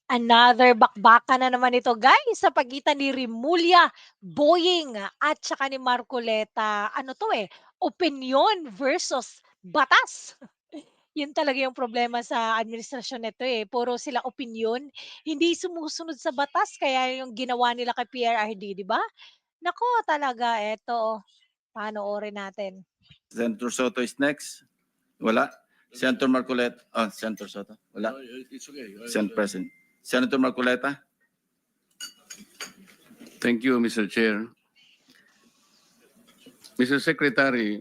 Another bakbakan na naman ito guys sa pagitan ni Rimulya, Boying at saka ni Marcoleta. Ano to opinyon versus batas. Yun talaga yung problema sa administrasyon nito puro sila opinyon, hindi sumusunod sa batas kaya yung ginawa nila kay PRRD, 'di ba? Naku talaga eto, panoorin natin. Senator Soto is next. Wala. Senator Marcoleta. Senator Soto. Wala. It's okay. Senator President. Senator Marcoleta. Thank you, Mr. Chair. Mr. Secretary,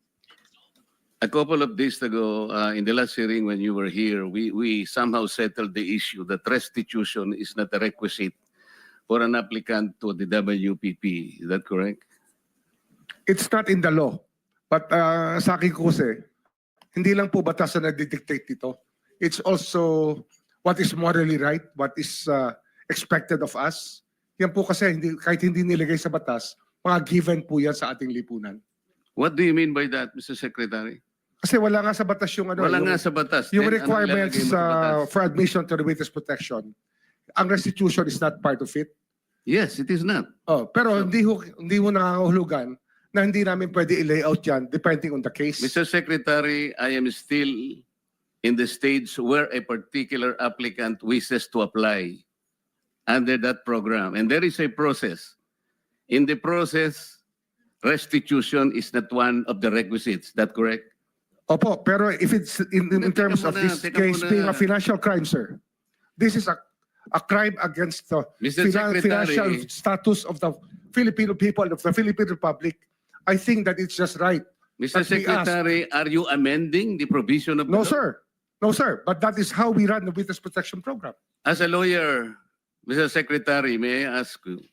a couple of days ago, in the last hearing when you were here, we somehow settled the issue that restitution is not a requisite for an applicant to the WPP. Is that correct? It's not in the law. But sa akin ko kasi, hindi lang po batas na nagdidictate dito. It's also what is morally right, what is expected of us. Yan po kasi kahit hindi nilagay sa batas, mga given po yan sa ating lipunan. What do you mean by that, Mr. Secretary? Kasi wala nga sa batas yung ano. Wala nga sa batas. Yung Then, requirements anong ilalagay mo sa batas? for admission to the witness protection. Ang restitution is not part of it. Yes, it is not. Pero hindi mo nangangahulugan na hindi namin pwede i-layout yan depending on the case. Mr. Secretary, I am still in the stage where a particular applicant wishes to apply under that program. And there is a process. In the process, restitution is not one of the requisites. Is that correct? Opo, pero if it's in terms of this case being a financial crime, sir, this is a crime against the Mr. Secretary, financial status of the Filipino people, of the Philippine Republic. I think that it's just right. Mr. that we ask- Secretary, are you amending the provision of the No, law? sir. No, sir. But that is how we run the Witness Protection Program. As a lawyer, Mr. Secretary, may I ask you,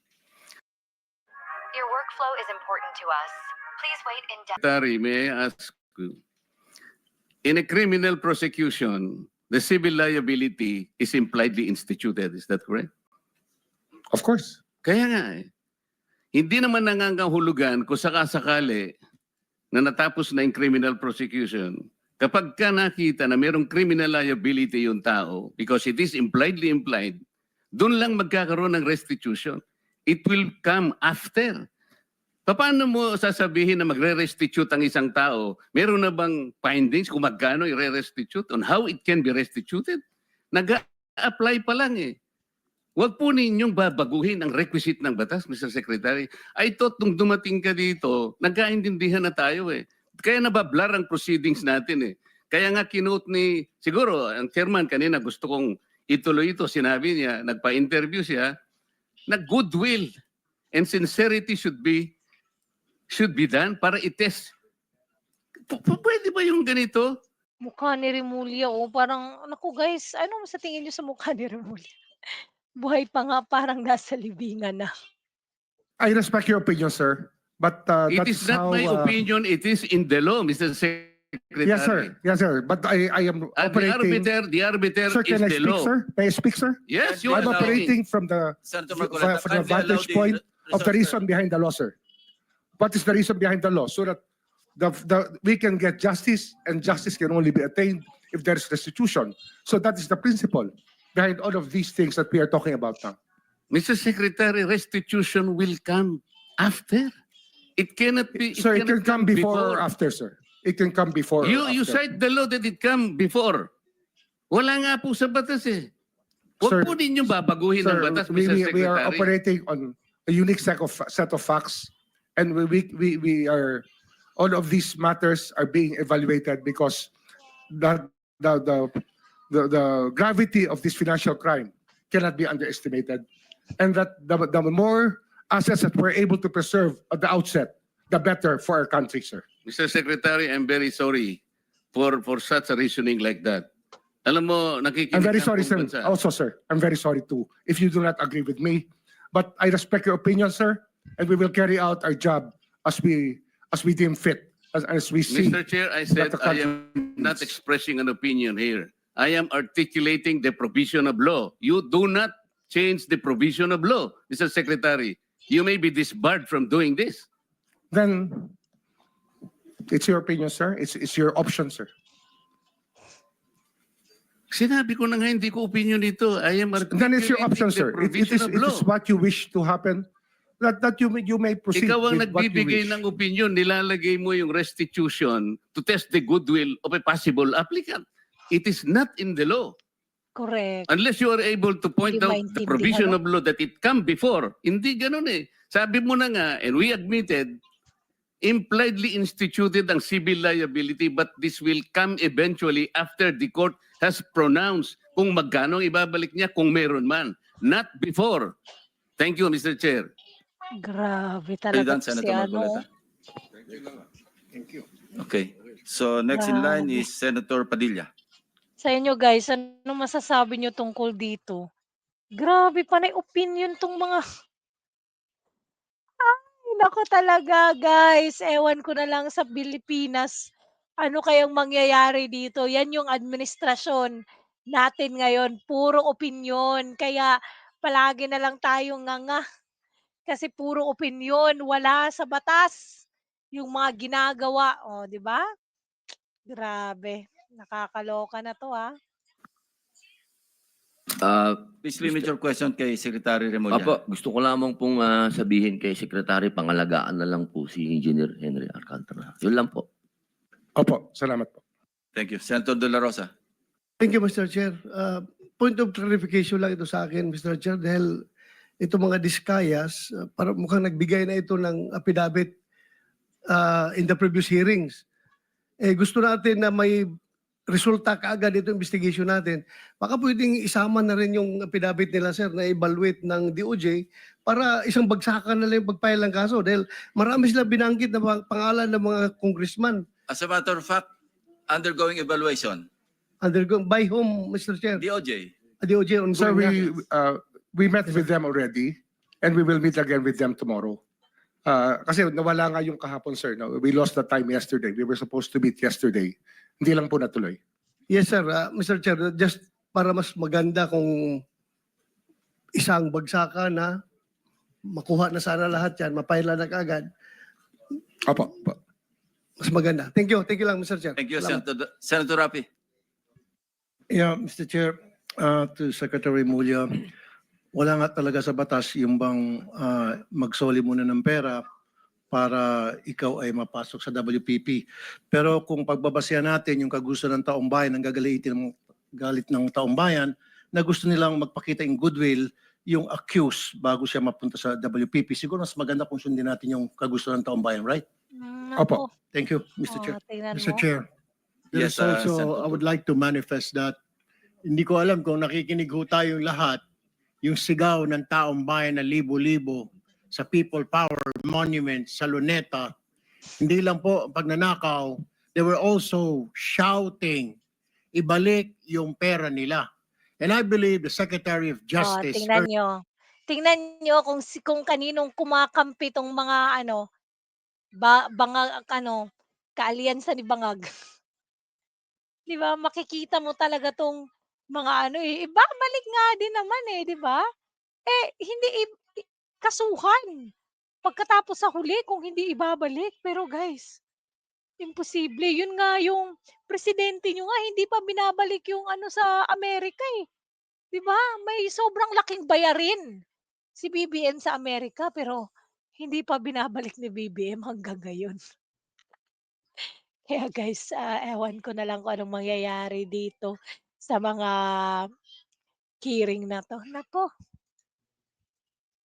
Your workflow is important to us. Please wait in Secretary, may I ask you, in a criminal prosecution, the civil liability is impliedly instituted. Is that correct? Of course. Kaya nga hindi naman nangangahulugan kung sakasakali na natapos na yung criminal prosecution. Kapag ka nakita na mayroong criminal liability yung tao, because it is impliedly implied, doon lang magkakaroon ng restitution. It will come after. Paano mo sasabihin na magre-restitute ang isang tao? Meron na bang findings kung magkano i-restitute on how it can be restituted? Nag-a-apply pa lang Huwag po ninyong babaguhin ang requisite ng batas, Mr. Secretary. I thought nung dumating ka dito, nagkaintindihan na tayo Kaya nabablar ang proceedings natin Kaya nga kinote ni, siguro, ang chairman kanina gusto kong ituloy ito. Sinabi niya, nagpa-interview siya, na goodwill and sincerity should be done para i-test. Pwede ba yung ganito? Mukha ni Rimulya parang naku guys, ano sa tingin niyo sa mukha ni Rimulya? Buhay pa nga parang nasa libingan na. I respect your opinion, sir. But It that's is not how, my opinion, it is in the law, Mr. Secretary. Yes, sir. Yes, sir. But I am operating. The arbiter Sir, can I is the speak, law. sir? May I speak, sir? Yes, you I'm are operating from the Senator from Marcoleta, the vantage point of the reason behind the law, sir. What is the reason behind the law? So that we can get justice, and justice can only be attained if there is restitution. So that is the principle behind all of these things that we are talking about now. Mr. Secretary, restitution will come after. It cannot be. Sir, it can cannot come before or after, sir. It can come before or You after. cite the law that it come before. Wala nga po sa batas Huwag Sir, po ninyong babaguhin ang Sir, batas, Mr. Secretary. we are operating on a unique set of facts, and we are all of these matters are being evaluated because the gravity of this financial crime cannot be underestimated, and that the more assets that we're able to preserve at the outset, the better for our country, sir. Mr. Secretary, I'm very sorry for such a reasoning like that. Alam mo, nakikinig I'm very ang sorry, buong sir. bansa. Also, sir, I'm very sorry too if you do not agree with me, but I respect your opinion, sir, and we will carry out our job as we deem fit, as we see. Mr. Chair, I said the I country am not needs. expressing an opinion here. I am articulating the provision of law. You do not change the provision of law, Mr. Secretary. You may be disbarred from doing this. Then it's your opinion, sir. It's your option, sir. Sinabi ko na nga hindi ko opinion ito. I am Then it's your option, articulating sir. the provision of It law. is what you wish to happen. That you may proceed Ikaw ang with what you nagbibigay wish. ng opinion, nilalagay mo yung restitution to test the goodwill of a possible applicant. It is not in the law. Correct. Unless you are able to point Hindi out the provision of law that it come before. Hindi ganun eh. Sabi mo na nga, and we admitted, impliedly instituted ang civil liability, but this will come eventually after the court has pronounced kung magkano ang ibabalik niya kung meron man. Not before. Thank you, Mr. Chair. Grabe Are you talaga done, to si Senator Marcoleta? Thank you. Okay. So next in line Grabe. is Senator Padilla. Sa inyo guys, ano masasabi niyo tungkol dito? Grabe panay opinion 'tong mga ay naku talaga guys, ewan ko na lang sa Pilipinas, ano kayang mangyayari dito. Yan yung administrasyon natin ngayon, puro opinyon. Kaya palagi na lang tayong nganga kasi puro opinyon, wala sa batas yung mga ginagawa, oh, 'di ba? Grabe, nakakaloka na 'to, Please limit your question kay Secretary Remulla. Opo, gusto ko lamang pong sabihin kay Secretary, pangalagaan na lang po si Engineer Henry Alcantara. Yun lang po. Opo, salamat po. Thank you. Senator De La Rosa. Thank you, Mr. Chair. Point of clarification lang ito sa akin, Mr. Chair, dahil ito mga diskayas, para mukhang nagbigay na ito ng affidavit in the previous hearings. Gusto natin na may resulta kaagad ito investigation natin. Baka pwedeng isama na rin yung affidavit nila, sir, na evaluate ng DOJ para isang bagsakan na lang yung pagpile ng kaso. Dahil marami sila binanggit na pangalan ng mga congressman. As a matter of fact, undergoing evaluation. Undergo by whom, Mr. Chair? DOJ. DOJ on Sir, we met with them already and we will meet again with them tomorrow. Kasi nawala nga yung kahapon, sir. No? We lost the time yesterday. We were supposed to meet yesterday. Hindi lang po natuloy. Yes, sir. Mr. Chair, just para mas maganda kung isang bagsakan na makuha na sana lahat yan, mapaila na kaagad, Opo. Opo. mas maganda. Thank you. Thank you lang, Mr. Chair. Thank you, Salamat. Senator Rapi. Yeah, Mr. Chair, to Secretary Mulya, wala nga talaga sa batas yung bang magsoli muna ng pera para ikaw ay mapasok sa WPP. Pero kung pagbabasehan natin yung kagusto ng taong bayan, ang galit ng taong bayan, na gusto nilang magpakita in goodwill yung accused bago siya mapunta sa WPP. Siguro mas maganda kung sundin natin yung kagusto ng taong bayan, right? Opo. Thank you, Mr. Chair. Tingnan Mr. mo. Chair, there Yes, is also, Senator. I would like to manifest that hindi ko alam kung nakikinig ho tayong lahat, yung sigaw ng taong bayan na libo-libo sa People Power Monument sa Luneta, hindi lang po pagnanakaw, they were also shouting, ibalik yung pera nila. And I believe the Secretary of Justice Tingnan nyo. Tingnan nyo kung kaninong kumakampi tong mga bangag kaalyansa ni Bangag. 'Di ba makikita mo talaga tong mga ibabalik nga din naman 'di ba? Hindi kasuhan pagkatapos sa huli kung hindi ibabalik. Pero guys, imposible. Yun nga yung presidente nyo nga hindi pa binabalik yung sa Amerika 'Di ba? May sobrang laking bayarin si BBM sa Amerika pero hindi pa binabalik ni BBM hanggang ngayon. Kaya guys, ewan ko na lang kung anong mangyayari dito sa mga hearing na 'to. Naku,